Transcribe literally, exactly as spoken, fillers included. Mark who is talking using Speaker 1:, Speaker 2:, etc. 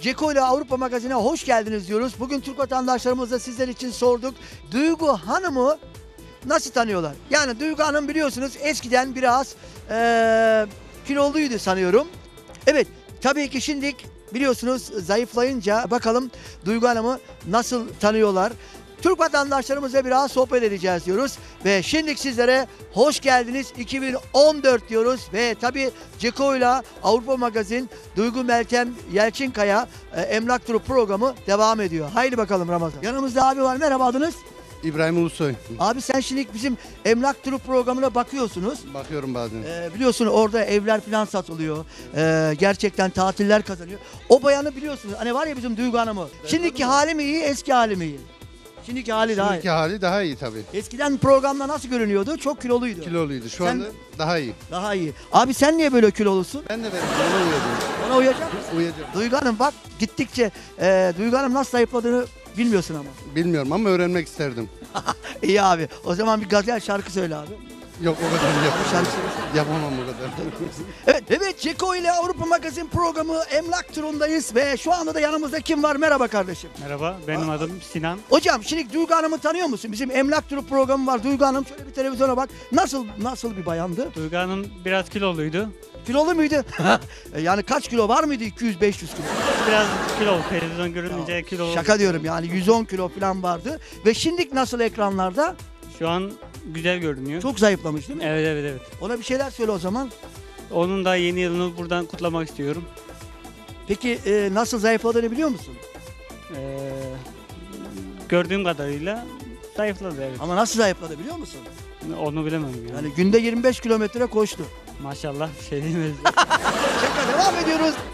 Speaker 1: Ceko ile Avrupa Magazin'e hoş geldiniz diyoruz. Bugün Türk vatandaşlarımızla sizler için sorduk. Duygu Hanım'ı nasıl tanıyorlar? Yani Duygu Hanım biliyorsunuz eskiden biraz eee kiloluydu sanıyorum. Evet, tabii ki şimdi biliyorsunuz zayıflayınca bakalım Duygu Hanım'ı nasıl tanıyorlar? Türk vatandaşlarımızla biraz sohbet edeceğiz diyoruz. Ve şimdi sizlere hoş geldiniz iki bin on dört diyoruz. Ve tabii Ceko ile Avrupa Magazin Duygu Meltem Yelçinkaya e, Emlak Turu programı devam ediyor. Haydi bakalım Ramazan. Yanımızda abi var. Merhaba, adınız?
Speaker 2: İbrahim Ulusoy.
Speaker 1: Abi sen şimdi bizim Emlak Turu programına bakıyorsunuz.
Speaker 2: Bakıyorum bazen.
Speaker 1: Ee, biliyorsun orada evler falan satılıyor. Ee, gerçekten tatiller kazanıyor. O bayanı biliyorsunuz. Hani var ya bizim Duygu Hanım'ı. Şimdiki hali mi iyi, eski hali mi iyi? Şimdiki hali daha
Speaker 2: Şimdiki
Speaker 1: iyi.
Speaker 2: hali daha iyi tabii.
Speaker 1: Eskiden programda nasıl görünüyordu? Çok kiloluydu.
Speaker 2: Kiloluydu. Şu
Speaker 1: Sen-
Speaker 2: anda daha iyi.
Speaker 1: Daha iyi. Abi sen niye böyle kilolusun?
Speaker 2: Ben de ben ona uyuyordum.
Speaker 1: Ona uyacak mısın?
Speaker 2: Uyuyacağım.
Speaker 1: Duygu Hanım bak gittikçe e, Duygu Hanım nasıl zayıfladığını bilmiyorsun ama.
Speaker 2: Bilmiyorum ama öğrenmek isterdim.
Speaker 1: İyi abi. O zaman bir gazel şarkı söyle abi.
Speaker 2: Yok o kadar
Speaker 1: Bir
Speaker 2: yapamam.
Speaker 1: şarkı söylesene.
Speaker 2: Yapamam o kadar.
Speaker 1: Evet, evet Ceko ile Avrupa Magazin programı Emlak Turu'ndayız ve şu anda da yanımızda kim var? Merhaba kardeşim.
Speaker 3: Merhaba, benim adım Sinan.
Speaker 1: Hocam şimdi Duygu Hanım'ı tanıyor musun? Bizim Emlak Turu programı var. Duygu Hanım şöyle bir televizyona bak. Nasıl nasıl bir bayandı?
Speaker 3: Duygu Hanım biraz kiloluydu.
Speaker 1: Kilolu muydu? E, yani kaç kilo var mıydı? iki yüz beş yüz kilo.
Speaker 3: Biraz kilo, televizyon görününce kilo.
Speaker 1: Şaka diyorum yani yüz on kilo falan vardı. Ve şimdi nasıl ekranlarda?
Speaker 3: Şu an güzel görünüyor.
Speaker 1: Çok zayıflamış değil mi?
Speaker 3: Evet evet evet.
Speaker 1: Ona bir şeyler söyle o zaman.
Speaker 3: Onun da yeni yılını buradan kutlamak istiyorum.
Speaker 1: Peki e, nasıl zayıfladığını biliyor musun?
Speaker 3: Ee, gördüğüm kadarıyla zayıfladı evet.
Speaker 1: Ama nasıl zayıfladı biliyor musun?
Speaker 3: Onu bilemem yani.
Speaker 1: Yani günde yirmi beş kilometre koştu.
Speaker 3: Maşallah bir şey diyemez.
Speaker 1: Şaka devam ediyoruz.